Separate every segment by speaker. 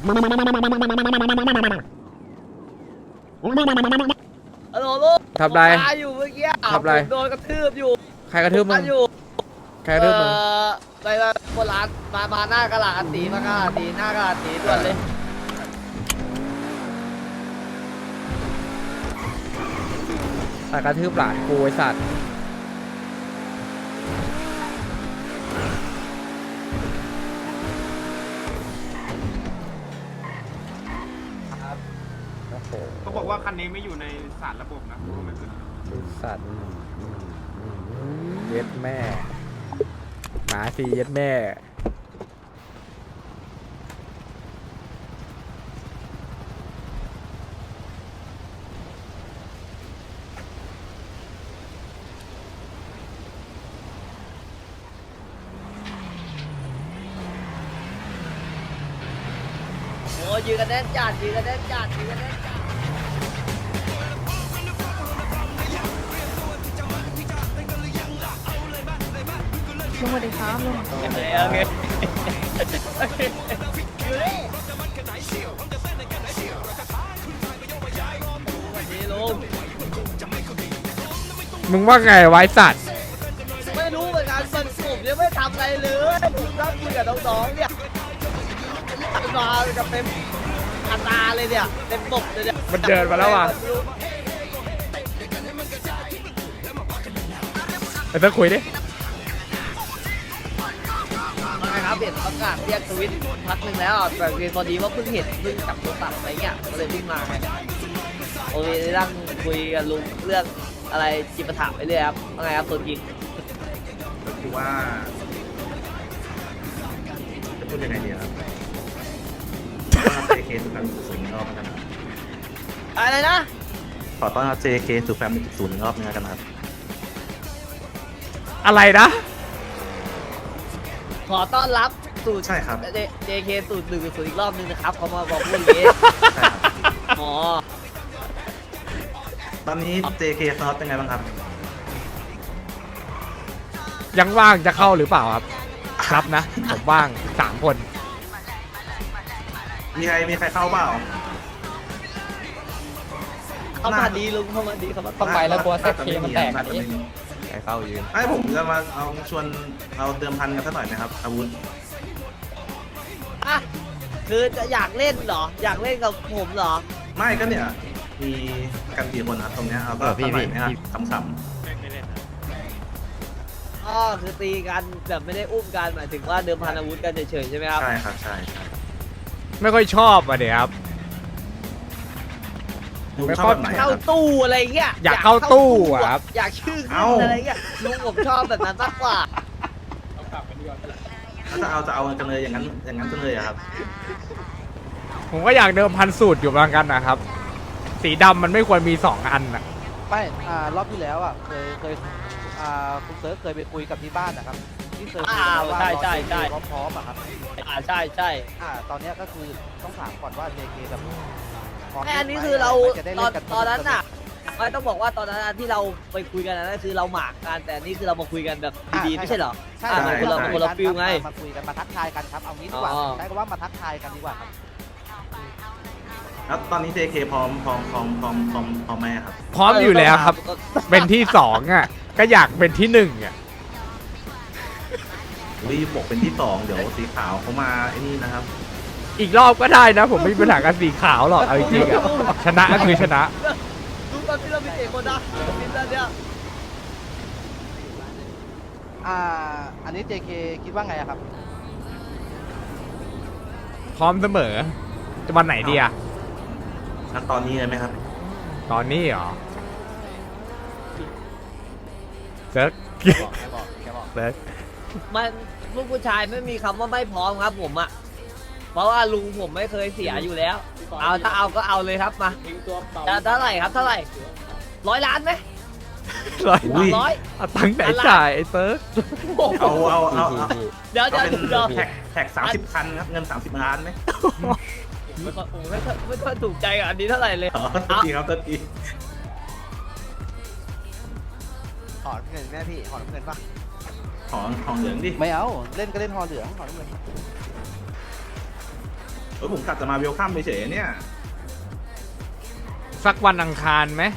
Speaker 1: ฮัลโหลลูก
Speaker 2: ทำไร
Speaker 1: ผมมาอยู่เมื่อกี้
Speaker 2: ทำไร
Speaker 1: ผมโดนกระทืบอยู่
Speaker 2: ใครกระทืบมึ
Speaker 1: มาง อยู่
Speaker 2: ใครกระทืบมึง
Speaker 1: ไปโบราณมาหน้ากระลาดตีมากระลาดตีหน้ากระลาดตีด่วนเลย
Speaker 2: แต่กระทืบหลานกูไอ้สัตว์โอ้โห
Speaker 3: เขาบอกว่าคันนี้ไม่อยู่ในสารระบบนะเพราะว่ามันคือ
Speaker 2: ไอ้สัตว์เย็ดแม่หมาสีเย็ดแม่
Speaker 1: โอ้ยืนกันแน่นจัดยืนกันแน่นจัดยืนกันแน่นจัด
Speaker 4: ลุงสวัสดีครับลุง
Speaker 1: โอเคอยู่นี่สวัสดีลุง
Speaker 2: มึงว่าไงไวะไอ้สัตว์
Speaker 1: ไม่รู้เหมือนกันมันผมยังไม่ทำอะไรเลยผมนั่งคุยกับน้องๆเนี่ยมากับเต็มอัตราเลยเนี่ยเต็มบกเลยเนี่ย
Speaker 2: มันเดินมาแล้วว่ะไอ้เต้คุยดิ
Speaker 1: ไม่ครับเห็นประกาศเรียกทวิตพักหนึ่งแล้วแต่พอดีว่าเพิ่งเห็นเพิ่งจับโทรศัพท์อะไรเงี้ยก็เลยวิ่งมาไงโอเคนั่งคุยกับลุงเรื่องอะไรจิปาถะไปเรื่อยครับว่าไงครับตัวจริง
Speaker 5: ก็คือว่าจะพูดยังไงดีครับต้อนรับ JK สู่แฟมสู่อีกรอบนะครับ
Speaker 1: อะไรนะ
Speaker 5: ขอต้อนรับ JK สู่แฟมสู่อีกรอบนึงแล้วกันครับ
Speaker 2: อะไรนะ
Speaker 1: ขอต้อนรับสู่
Speaker 5: ใช่ครับ
Speaker 1: JK สู่1สู่อีกรอบนึงนะครับเขามาบอกพูดอย่างนี้
Speaker 5: ใช่ครับ
Speaker 1: อ๋อ
Speaker 5: ตอนนี้ JK สล็อตเป็นไงบ้างครับ
Speaker 2: ยังว่างจะเข้าหรือเปล่าครับครับนะผมว่าง3 คน
Speaker 5: มีใครเข้าเปล่า
Speaker 1: เข้ามาดีลุงเข้ามาดีเข้ามา
Speaker 5: ต้องไปแล้วกลัวเซ็ตเคมันแตก
Speaker 2: ใครเข้ายืน
Speaker 5: ไอ้ผมจะมาเอาชวนเอาเติมพันกันสักหน่อยไหมครับอาวุธ
Speaker 1: อ่ะคือจะอยากเล่นเหรอ อยากเล่นกับผมเหรอ
Speaker 5: ไม่ก็เนี่ยมีกันกี่คนครับตรงเนี้ยเอาก็สักหน่อยไหมครับขำ
Speaker 1: อ๋อคือตีกันแบบไม่ได้อุ้มกันหมายถึงว่าเดิมพันอาวุธกันเฉยๆใช่ไหมครับ
Speaker 5: ๆใช่ครับใช่
Speaker 2: ไม่ค่อยชอบอ่ะเดี๋ยวครับ
Speaker 5: ลุงชอบแบบไหนค
Speaker 1: เข้า
Speaker 5: รับ
Speaker 1: ตู้อะไรเงี้ย
Speaker 2: อยากเข้าตู้อะครับ
Speaker 1: อยากชื่อขึ้
Speaker 5: เอ้า
Speaker 1: นอะไรเงี้ยลุงผมชอบแบบนั้นมากกว่า
Speaker 5: ถ้าจะเอากันเลยอย่างนั้นกันเลยอะครับ
Speaker 2: ผมก็อยากเดิมพันสูตรอยู่เหมือนกันนะครับ สีดำมันไม่ควรมี2 อันอ่ะ
Speaker 6: ไม่รอบที่แล้วอ่ะเคยคุณเซิร์ฟเคยไปคุยกับที่บ้านนะครับที่เซิร์ฟคุยกันว่า
Speaker 1: ใช่
Speaker 6: พร้อมอะครับ
Speaker 1: ใช่
Speaker 6: ตอนเนี้ยก็คือต้องถามก่อนว่า JK แบบพร้ม
Speaker 1: แม่อันนี้คือเรา
Speaker 6: จะได้
Speaker 1: ต
Speaker 6: เล่
Speaker 1: อน
Speaker 6: กั
Speaker 1: ตอนนั้นน่ะไม่ต้องบอกว่าตอนนั้นที่เราไปคุยกันนั่นคือเราหมากกันแต่นี่คือเรามาคุยกันแบบดีๆไม่ใช่เหรอ
Speaker 6: ใช่
Speaker 1: อ่า
Speaker 6: ใช่
Speaker 1: คนละฟิลไง
Speaker 6: มาคุยกันมาทักทายกันครับเอางี้ดีกว่า
Speaker 1: อ๋อ
Speaker 6: ใช้คำว่ามาทักทายกันดีกว่าครับ
Speaker 5: แล้วตอนนี้ JK พร้อมไหมอะครับ
Speaker 2: พร้อมอยู่แล้วครับ เป็นที่2อ่ะก็อยากเป็นที่1อ่ะ
Speaker 5: รีบบอกเป็นที่2เดี๋ยวสีขาวเขามาไอ้นี่นะครับ
Speaker 2: อีกรอบก็ได้นะ ผมไม่มีปัญหากับสีขาวหรอกเอาจริงๆอ่ะชนะก็คือชนะ
Speaker 1: ดูตอนที่เรามีเอกคนนะมินตอนเนี้ย
Speaker 6: อันนี้ JK คิดว่าไงอะครับ
Speaker 2: พร้อมเสมอจะวันไหนดีอ่ะ
Speaker 5: แล้วตอนนี้เลยไหมครับ
Speaker 2: ตอนนี้เหรอเซิร์กเซิร์ก
Speaker 1: มันลูกผู้ชายไม่มีคำว่าไม่พร้อมครับผมอ่ะเพราะว่าลุงผมไม่เคยเสียอยู่แล้วเอาถ้าเอาก็เอาเลยครับมาจะเท่าไหร่ครับเท่าไหร่100 ล้านไหม
Speaker 2: ร้อย
Speaker 5: อุ้ย
Speaker 1: ร้อย
Speaker 2: เอาตังค์ไหนจ่ายไอ้เซิร์ก
Speaker 5: เอา
Speaker 1: เดี๋ยว
Speaker 5: เป็น
Speaker 1: เดี๋ยว
Speaker 5: แท็ก30 คันครับเงิน30 ล้านไหม
Speaker 1: ไม่ค่อยถูกใจกับอันนี้เท่าไหร่เลย
Speaker 5: อ๋อตัวทีครับตัวที
Speaker 6: ถอนเงินแม่พี่ถอนเงินปะ
Speaker 5: ของเหลืองดิ
Speaker 6: ไม่เอาเล่นก็เล่นหอเหลืองถอนเงิน
Speaker 5: ผมกลับจะมาเวลคัมเฉยๆเนี่ย
Speaker 2: สักวันอังคารไหม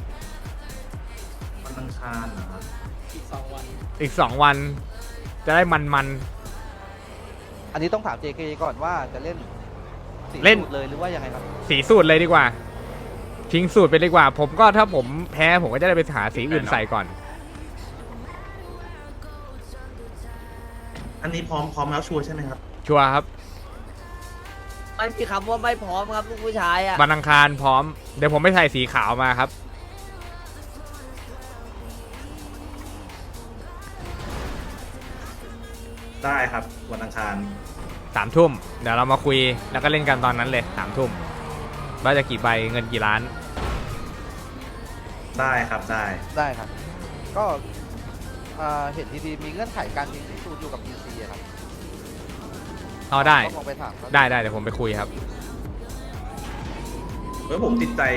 Speaker 5: วันอังคารนะครับ
Speaker 2: อีกสองวัน จะได้มัน
Speaker 6: อันนี้ต้องถาม JK ก่อนว่าจะเล่นสี
Speaker 2: เล่น
Speaker 6: สูตรเลยหรือว่ายังไงครับ
Speaker 2: สีสูตรเลยดีกว่า ทิ้งสูตรไปดีกว่า ผมก็ถ้าผมแพ้ผมก็จะได้ไปหาสีอื่นใส่ก่อน
Speaker 5: อันนี้พร้อมแล้วชัวร์ใช่ไหมครับ
Speaker 2: ชัวร์ครับ
Speaker 1: ไม่มีคำว่าไม่พร้อมครับลูกผู้ชายอ่ะ
Speaker 2: วันอังคารพร้อม เดี๋ยวผมไปใส่สีขาวมาครับ
Speaker 5: ได้ครับวันอังคาร
Speaker 2: 3 ทุ่ม เดี๋ยวเรามาคุยแล้วก็เล่นกันตอนนั้นเลย3 ทุ่มว่าจะกี่ใบเงินกี่ล้าน
Speaker 5: ได้ครับได้
Speaker 6: ได้ครับ ก็เห็นทีมีเงื่อนไขการทิ้งที่สูตรอยู่กับ PC อะครับ
Speaker 2: เอาได้
Speaker 6: ก็ลองไปถามเขา
Speaker 2: ได้เดี๋ยวผมไปคุยครับ
Speaker 5: ผมติดใจ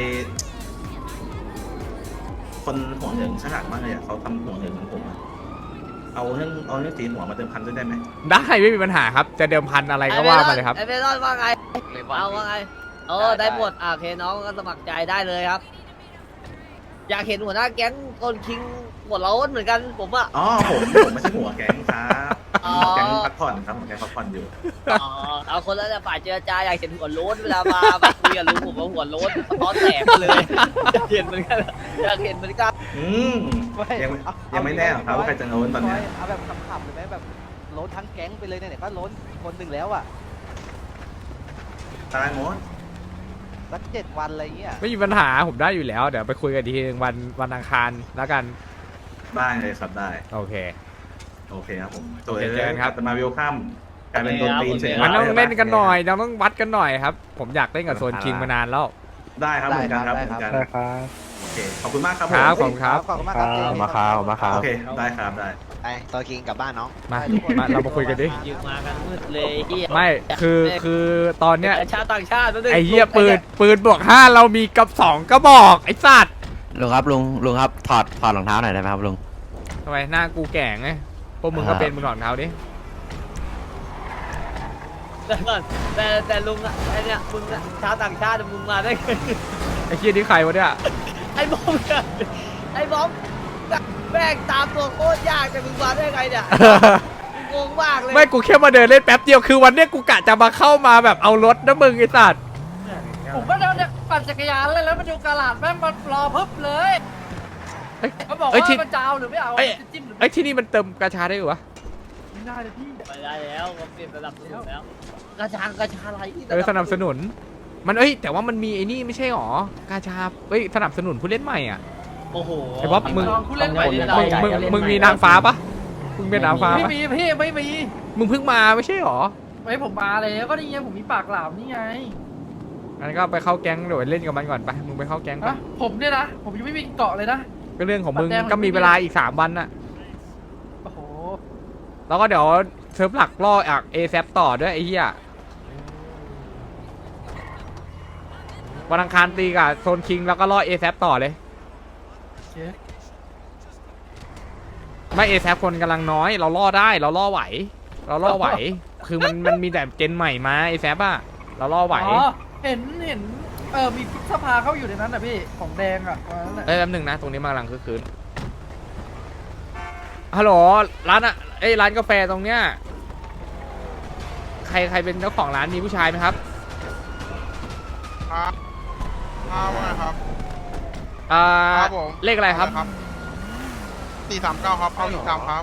Speaker 5: คนหัวเหลืองฉลาดมากเลยอะเขาทำหัวเหลืองของผมอะเอาเรื่องสีหัวมาเติมพันด้วยได้ไหม
Speaker 2: ได้ไม่มีปัญหาครับ จะเดิมพันอะไรก็ว่ามาเลยครับ
Speaker 1: ไอเมลอนว่าไงเอาว่าไงได้หมดโอเคน้องก็สมัครใจได้เลยครับ อยากเห็นหัวหน้าแก๊งคนคิงหัวโล้นเหมือนกันผมอ่ะ
Speaker 5: อ๋อผมไม่ใช่หัวแก๊งครับ
Speaker 1: อ๋อ
Speaker 5: หัวแก๊งพักผ่อนครับหัวแก๊งพักผ่อนอยู่
Speaker 1: อ๋อเอาคนละฝ่ายเจรจาอยากเห็นหัวโล้นเวลามาคุยกับลุงผมว่าหัวโล้นสะท้อนแตกเลยอยากเห็นเหมือนกันอยากเห็นเหมือนกัน
Speaker 5: อืมยังไม่แน่หรอกครับว่าใครจะโน้นตอนเนี้ย
Speaker 6: เอาแบบขำๆเลยไหมแบบโล้นทั้งแก๊งไปเลยเนี่ยก็โล้นคนหนึ่งแล้วอ่ะ
Speaker 5: ตายหมด
Speaker 6: สัก7 วันอะไรเงี้ย
Speaker 2: ไม่มีปัญหาผมได้อยู่แล้ว เดี๋ยวไปคุยกันทีนึงวันอังคารแล้วกัน
Speaker 5: ได้เลยครับได้
Speaker 2: โอเค
Speaker 5: โอเคครับผม
Speaker 2: โอเคเจอกันครับ
Speaker 5: จะมาเวลคัมกลายเป็นโดนตีนเฉย
Speaker 2: มันต้องเล่นกันหน่อยเราต้องวัดกันหน่อยครับ ผมอยากเล่นกับโซนคิงมานานแล้ว
Speaker 5: ได้ครับเหมือนกันครับเหมือนกัน
Speaker 7: ได้ครับ
Speaker 5: โอเคขอบคุณมากครับ
Speaker 2: ครับ
Speaker 5: ผม
Speaker 2: ขอบคุณครับ
Speaker 6: ขอบคุณมากครับ
Speaker 7: มาครับมาครับ
Speaker 5: โอเคได้ครับได้
Speaker 8: ไปตัวคิงกลับบ้านน้อง
Speaker 2: มาเรามาคุยกันดิ
Speaker 1: ยืมมากันมืดเลยเฮีย
Speaker 2: ไม่คือตอนเนี้ย
Speaker 1: ชาติต่างชาตินั่นเอง
Speaker 2: ไอ้เหี้ยปืนบวก5เรามีกับ2กระบอกไอ้สัตว์
Speaker 8: ลุงครับลุงครับถอดรองเท้าหน่อยได้ไหมครับลุง
Speaker 2: ทำไมหน้ากูแก่งไงพวกมึงก็เป็นมึงถอดรองเท้าดิ
Speaker 1: แต่ลุงอะไอเนี่ยมึงอะชาวต่างชาติมึงมาได้ไง
Speaker 2: ไอ้เหี้ยนี่ใครวะเนี่ย
Speaker 1: ไอ้บอมเนี่ยไอ้บอมแม่งตามตัวโคตรยากแต่มึงมาได้ไงเนี่ยงงมากเลย
Speaker 2: ไม่กูแค่มาเดินเล่นแป๊บเดียวคือวันเนี้ยกูกะจะมาเข้ามาแบบเอารถนะมึงไอ้สัตว์
Speaker 9: ผมก็เดินเนี่ยปั่นจักรยานเลยแล้วมาดูกระลาดแม่งมันรอพึบเลย
Speaker 2: เอ้ย
Speaker 9: เขาบอก
Speaker 2: เอ้ย
Speaker 9: ว่า
Speaker 2: ที่
Speaker 9: มันจะเอาหรือไม่เอา
Speaker 2: เอ้ย
Speaker 9: จะจิ้มหรือ
Speaker 2: ไอ้ยที่นี่มันเติมกระชาได้หรือวะ
Speaker 9: ไม่ได้เลยพี่
Speaker 1: ไปได้แล้วผมเปลี่ยนระดับสูงแล้วกระชาอะไรที่
Speaker 2: สนับสนุน มันแต่ว่ามันมีไอ้นี่ไม่ใช่หรอกาชาสนับสนุนผู้เล่นใหม่อ่ะ
Speaker 1: โอ้โห
Speaker 2: ไอ้บ๊อบมึง
Speaker 9: ลองผู้เล่นใหม่
Speaker 2: มึงมีนางฟ้าปะมึงเป็นนางฟ้า
Speaker 9: ไม่
Speaker 2: ปะ
Speaker 9: มีพี่ไม่มี
Speaker 2: มึงเพิ่งมาไม่ใช่หรอ
Speaker 9: ไม่ผมมาแล้วก็นี่ไงผมมีปากหลามนี่ไง
Speaker 2: งั้นก็ไปเข้าแก๊งเดี๋ยวเล่นกับมันก่อนไปมึงไปเข้าแก๊งไป
Speaker 9: ฮะผมเนี่ยนะผมยังไม่มีเกาะเลยนะ
Speaker 2: ก็เรื่องของมึง
Speaker 9: บัตรแดง
Speaker 2: ก็มีเวลาอีก3 วันน่ะ
Speaker 9: โอ้โห
Speaker 2: แล้วก็เดี๋ยวเซิร์ฟหลักล่อจากเอแซต่อด้วยไอ้เหี้ยวันอังคารตีกับโซนคิงแล้วก็ล่อเอแซต่อเลย
Speaker 9: เช็ค
Speaker 2: ไม่เอแซคนกำลังน้อยเราล่อได้เราล่อไหว เราล่อไหว คือมันมีแต่เจนใหม่มาเอแซอะเราล่อไหว
Speaker 9: อ๋อเห็นมีพิษสภาเข้าอยู่ในนั้นนะพี่ของแดงอ่ะวันนั้นแหละ
Speaker 2: แป๊บนึงนะตรงนี้มากำลังคือคืนฮัลโหลร้านอะร้านกาแฟตรงเนี้ยใครเป็นเจ้าของร้านมีผู้ชายไหมครับ
Speaker 3: ครับว่าไงครับ ครับผม
Speaker 2: เลขอะไรครับ
Speaker 3: 439ครับเอาอีก3ครับ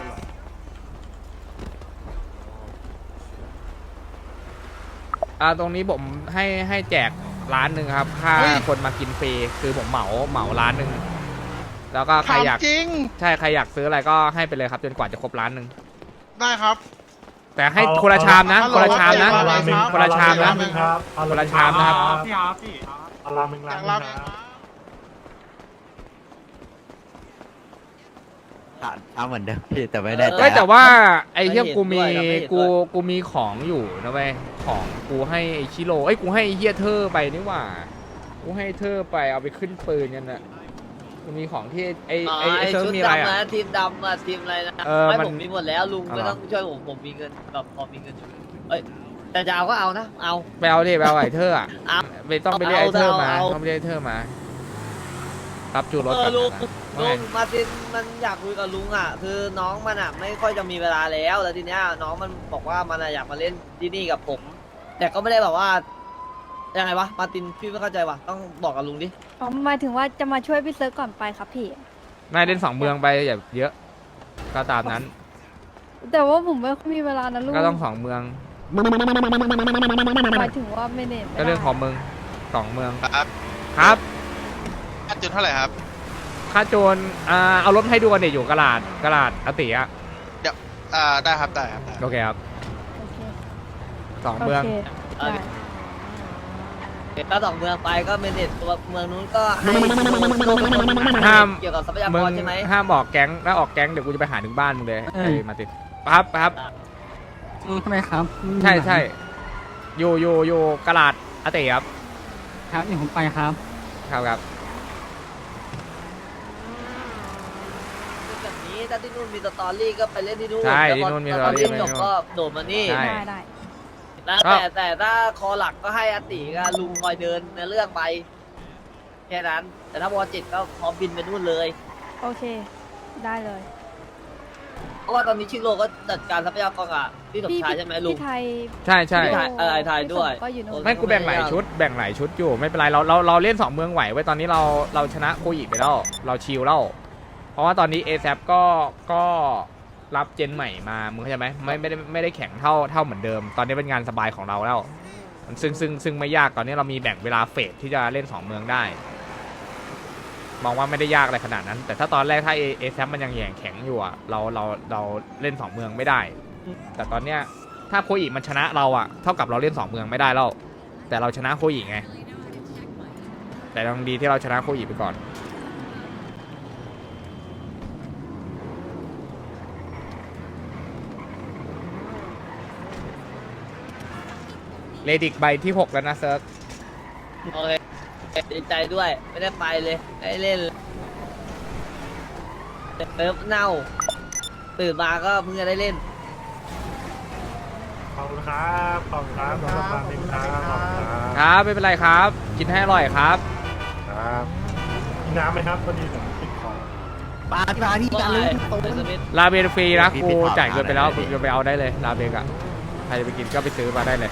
Speaker 2: ตรงนี้ผมให้แจกร้านหนึ่งครับค่า
Speaker 3: เฮ้ย
Speaker 2: คนมากินฟรีคือผมเหมาร้านหนึ่งแล้วก็ใคร
Speaker 3: ถาม
Speaker 2: อยาก
Speaker 3: จริง
Speaker 2: ใช่ใครอยากซื้ออะไรก็ให้ไปเลยครับจนกว่าจะครบร้านหนึ่ง
Speaker 3: ได้ครับ
Speaker 2: แต่ให้คนละชามนะ
Speaker 3: ฮัลโห
Speaker 2: คนละชามนะ
Speaker 3: ฮัลโหล
Speaker 2: คนละชามนะ
Speaker 7: ครับ
Speaker 2: คนละชามนะครับ
Speaker 3: พี่ครับพี่
Speaker 7: เอาราเมง
Speaker 3: อ
Speaker 7: ร้าย
Speaker 3: าน ก
Speaker 7: ห
Speaker 3: รับ
Speaker 7: นึ่งครับ
Speaker 8: เอาเหมือนเดิมพี่แต่ไม่ได้
Speaker 2: เอ้ยแต่ว่าไอ้
Speaker 1: ไม่
Speaker 2: เหี้ย
Speaker 1: เห็น
Speaker 2: กูมี
Speaker 1: ด้วยนะไม่เห็นด้วย
Speaker 2: กูมีของอยู่นะเว้ยของกูให้ไอ้ชิโร่กูให้ไอ้เหี้ยเธอไปนี่หว่ากูให้เธอไปเอาไปขึ้นปืนกันน่ะกูมีของที่ไอ้เซิร์ฟ
Speaker 1: ชุด
Speaker 2: มีอะไร
Speaker 1: ดำ
Speaker 2: อ่ะ
Speaker 1: นะทีมดำอะทีมอะไรนะ
Speaker 2: เออ
Speaker 1: ไม่
Speaker 2: มัน
Speaker 1: ผมมีหมดแล้วลุง
Speaker 2: เอา
Speaker 1: ไม่
Speaker 2: เหรอ
Speaker 1: ต้องช่วยผมมีเงินแบบพอมีเงินอยู่เอ้ยแต่จะเอาก็เอานะเอา
Speaker 2: ไปเอาดิไปเอาไอ้เธออ่ะ
Speaker 1: เอา
Speaker 2: ไม่ต้องไปเรียกไอ้เธอมา
Speaker 1: เอา
Speaker 2: ต้องไปเรียกไอ้เธอมารับจูรถ
Speaker 1: เอ
Speaker 2: ก่
Speaker 1: อ
Speaker 2: อน
Speaker 1: ลุง
Speaker 2: นะ
Speaker 1: ลุ
Speaker 2: ว่าไง
Speaker 1: งมาร์ตินมันอยากคุยกับลุงอ่ะ คือน้องมันอ่ะไม่ค่อยจะมีเวลาแล้วทีเนี้ยน้องมันบอกว่ามันอะอยากมาเล่นที่นี่กับผม แต่ก็ไม่ได้แบบว่ายังไงวะมาร์ตินพี่ไม่เข้าใจว่ะต้องบอกกับลุงดิ
Speaker 4: อ๋อหมายถึงว่าจะมาช่วยพี่เซิร์ฟก่อนไปครับพี่
Speaker 2: นายเล่น2 เมืองไปอย่าเยอะก็ตามนั้น
Speaker 4: แต่ว่าผมไม่ค่อยมีเวลานะลุง
Speaker 2: ก็ต้อง2 เมือง
Speaker 4: หมายถึงว่าไม่เน็ต
Speaker 2: ก็เรื่องของมึง2 เมือง
Speaker 3: ครับ
Speaker 2: ครับ
Speaker 3: ค่าจุดเท่าไหร่ครับ
Speaker 2: ค่าโจรเอารถให้ดูกันเดี๋ยวอยู่กระดาษอติอ่ะ
Speaker 3: เดี๋ยวได้ครับได้ครับได้
Speaker 2: โอเคครับ
Speaker 4: โอเค
Speaker 2: 2 เมือง
Speaker 4: โอเคได้
Speaker 1: ถ้า2 เมืองไปก็เมเนจตัวเมืองนู้นก็ให้
Speaker 2: ห้าม
Speaker 1: เกี่ยวกับทรัพยา
Speaker 2: มึ
Speaker 1: ก
Speaker 2: ง
Speaker 1: รใช่ไหม
Speaker 2: ห้ามออกแก๊งถ้าออกแก๊งเดี๋ยวกูจะไปหาถึงบ้านมึงเลยไอ้มาติปั๊บปั๊บ
Speaker 7: ทำไมครับ
Speaker 2: ใช่ใช่อยู่กระดาษอติครับ
Speaker 7: ครับเดี๋ยวผมไปครับ
Speaker 2: ครับ
Speaker 1: แบบนี้ถ้าที่นู่นมีสตอรี่ก็ไปเล่นที่นู่น
Speaker 2: ใช่
Speaker 1: แล้วพอ
Speaker 2: ที่นู่นมีสตอรี่
Speaker 1: จบก็โดดมานี่
Speaker 2: ใช่
Speaker 4: ได้ได้
Speaker 1: นะ
Speaker 2: ก็
Speaker 1: แต่ถ้าคอหลักก็ให้อติกับลุงคอยเดินในเรื่องไปแค่นั้น แต่ถ้าวอจิตก็พร้อมบินไปนู่นเลย
Speaker 4: โอเค ได้เลย
Speaker 1: เพราะว่าตอนนี้ชิโร่ก็จัดการทรัพยากรอ่ะที่สมชายใช่ไหมลุง
Speaker 4: พี่ไทย
Speaker 2: ใช่ใช่
Speaker 1: พี่ไทยไอ้ไทยด้วย
Speaker 4: ก็อยู่นู่น
Speaker 2: ไม่กูแบ่งหลายชุดอยู่ไม่เป็นไรเราเล่น2 เมืองไหวไว้ตอนนี้เราชนะโคอิไปแล้วเราชิลแล้วเพราะว่าตอนนี้ ASAP ก็รับเจนใหม่มามึงเข้าใจไหมไม่ได้แข่งเท่าเหมือนเดิม ตอนนี้เป็นงานสบายของเราแล้วซึ่งไม่ยากตอนนี้เรามีแบ่งเวลาเฟสที่จะเล่น2 เมืองได้มองว่าไม่ได้ยากอะไรขนาดนั้น แต่ถ้าตอนแรกถ้า ASAP มันยังแข็งอยู่อ่ะเราเล่น2 เมืองไม่ได้ แต่ตอนเนี้ยถ้าโคอิมันชนะเราอ่ะเท่ากับเราเล่น2 เมืองไม่ได้แล้วแต่เราชนะโคอิไงแต่ยังดีที่เราชนะโคอิไปก่อนเลดิกใบที่ 6 แล้วนะเซิร์ฟ
Speaker 1: โอเคดีใจด้วยไม่ได้ไปเลยได้เล่นเลยเติมเน่าตื่นมาก็เพิ่งจะได้เล่น
Speaker 10: ขอบคุณครับขอบคุณครับสำหรับการติดตามขอบคุณครับ
Speaker 2: ครับไม่เป็นไรครับ กินให้อร่อยครับ
Speaker 10: ครับมีน้ำไหมครับพอดีผมติดคอ
Speaker 1: ปาที่กันเลยสมิธ
Speaker 2: ลาเบนฟรีนะกูจ่ายเงินไปแล้วมึงจะไปเอาได้เลยลาเบนอ่ะใครจะไปกินก็ไปซื้อมาได้เลย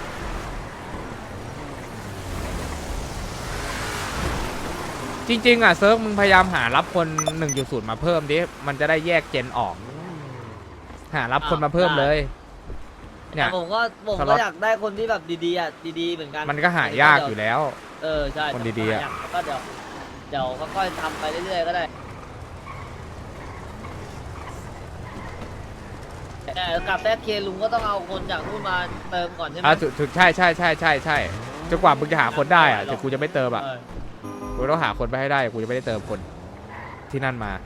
Speaker 2: จริงๆอ่ะเซิร์ฟมึงพยายามหารับคน 1.0 มาเพิ่มดิมันจะได้แยกเจนออกหารับคนมาเพิ่มเลยเนี่
Speaker 1: แต่
Speaker 2: ย
Speaker 1: ผม
Speaker 2: สล็อต
Speaker 1: ก็อยากได้คนที่แบบดีๆอ่ะดีๆเหมือนกัน
Speaker 2: มันก็หายากอยู่แล้ว
Speaker 1: ใช่
Speaker 2: คนดีๆอะ
Speaker 1: แล้วก็เดี๋ยวค่อยๆทำไปเรื่อยๆก็ได้แต่กับแซดเคลุงก็ต้องเอาคนจากนู่นมาเติมก่อนใช่ไหม
Speaker 2: ถูกใช่จนกว่ามึงจะหาคนได้อ่ะแต่กูจะไม่เติมอ่ะ กูต้องหาคนไปให้ได้กูจะไม่ได้เติมคนที่นั่นมา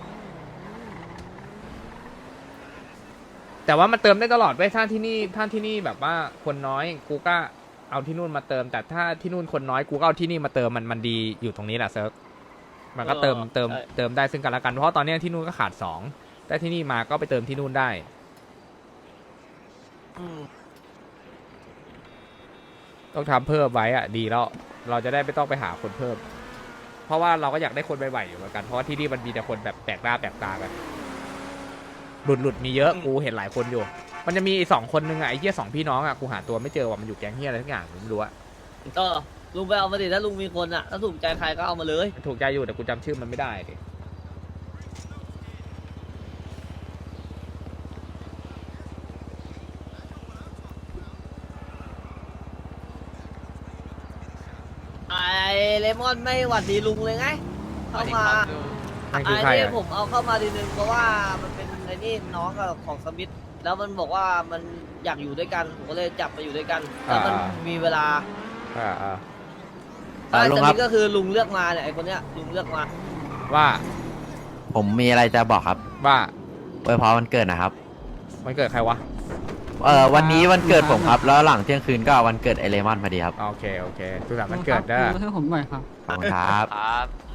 Speaker 2: แต่ว่ามันเติมได้ตลอดไว้ยถ้าที่นี่แบบว่าคนน้อยกูก็เอาที่นู่นมาเติม แต่ถ้าที่นู่นคนน้อยกูก็เอาที่นี่มาเติมมันดีอยู่ตรงนี้แหละเซิร์ฟมันก็เติมได้ซึ่งกันและกันเพราะตอนนี้ที่นู่นก็ขาด2แต่ที่นี่มาก็ไปเติมที่นู่นได้ ต้องทำเพิ่มไว้อะดีแล้วเราจะได้ไม่ต้องไปหาคนเพิ่ม เพราะว่าเราก็อยากได้คนใหม่ๆอยู่เหมือนกันเพราะว่าที่นี่มันมีแต่คนแบบแปลกหน้าแปลกตากันหลุดมีเยอะกูเห็นหลายคนอยู่ มันจะมีไอ้2 คนนึงอะไอ้เหี้ย2 พี่น้องอะกูหาตัวไม่เจอว่ามันอยู่แก๊งเหี้ยอะไรทั้งอย่างผมไม่รู้อะ
Speaker 1: ก็ลุงไปเอามาดิถ้าลุงมีคนอ่ะถ้าถูกใจใครก็เอามาเลย
Speaker 2: มันถูกใจอยู่แต่กูจำชื่อมันไม่ได้ดิ
Speaker 1: ไอเลมอนไม่หวัดดีลุงเลยไงเข้ามา
Speaker 2: นั่น
Speaker 1: ไอ้
Speaker 2: คือใคร
Speaker 1: นี่
Speaker 2: อะ
Speaker 1: ผมเอาเข้ามาทีนึงเพราะว่ามันเป็นไอ้นี่น้องกับของสมิธแล้วมันบอกว่ามันอยากอยู่ด้วยกันผมก็เลยจับมาอยู่ด้วยกันแล้วมันมีเวลา ไอ้
Speaker 8: ลุง
Speaker 1: ส
Speaker 8: ครั
Speaker 1: มิ
Speaker 8: บ
Speaker 1: ธก็คือลุงเลือกมาเนี่ยไอ้คนเนี้ยลุงเลือกมา
Speaker 2: ว่า
Speaker 8: ผมมีอะไรจะบอกครับ
Speaker 2: ว่า
Speaker 8: อวยพรวันเกิดนะครับ
Speaker 2: มันเกิดใครวะ
Speaker 8: วันนี้วันเกิดผมครับ แล้วหลังเที่ยงคืนก็วันเกิดไอเลมอนพอดีครับ
Speaker 2: โอเคสุขสันต์วันเกิดเด้อ
Speaker 7: ให้ผมหน่อยครับ
Speaker 8: ขอบคุณครับ
Speaker 1: ครับ